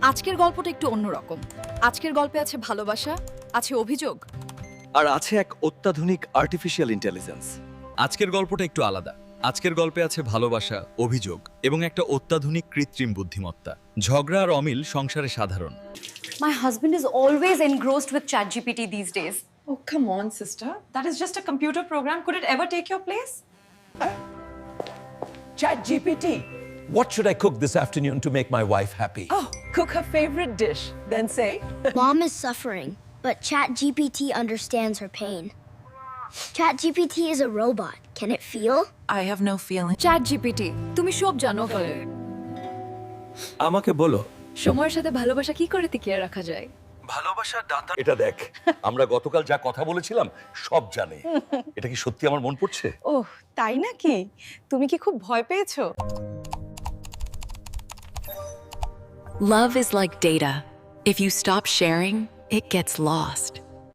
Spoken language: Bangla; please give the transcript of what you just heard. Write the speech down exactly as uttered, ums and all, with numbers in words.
আজকের গল্পটা একটু অন্যরকম। আজকের গল্পে আছে ভালোবাসা, আছে অভিযোগ, আর আছে এক অত্যাধুনিক আর্টিফিশিয়াল ইন্টেলিজেন্স। আজকের গল্পটা একটু আলাদা। আজকের গল্পে আছে ভালোবাসা, অভিযোগ এবং একটা অত্যাধুনিক কৃত্রিম বুদ্ধিমত্তা। ঝগড়া আর অমিল সংসারে সাধারণ। My husband is always engrossed with ChatGPT these days. Oh, come on, sister. That is just a computer program. Could it ever take your place? ChatGPT. What should I cook this afternoon to make my wife happy? Oh, cook her favorite dish. Then say, Mom is suffering, but ChatGPT understands her pain. ChatGPT is a robot. Can it feel? I have no feeling. ChatGPT তুমি সব জানো বলে। আমাকে বলো, সময়ের সাথে ভালোবাসা কি করে টিকিয়ে রাখা যায়? ভালোবাসার দাতা এটা দেখ, আমরা গতকাল যা কথা বলেছিলাম সব জানে। এটা কি সত্যি আমার মন পড়ছে? ওহ, তাই নাকি? তুমি কি খুব ভয় পেয়েছো? Love is like data. If you stop sharing, it gets lost.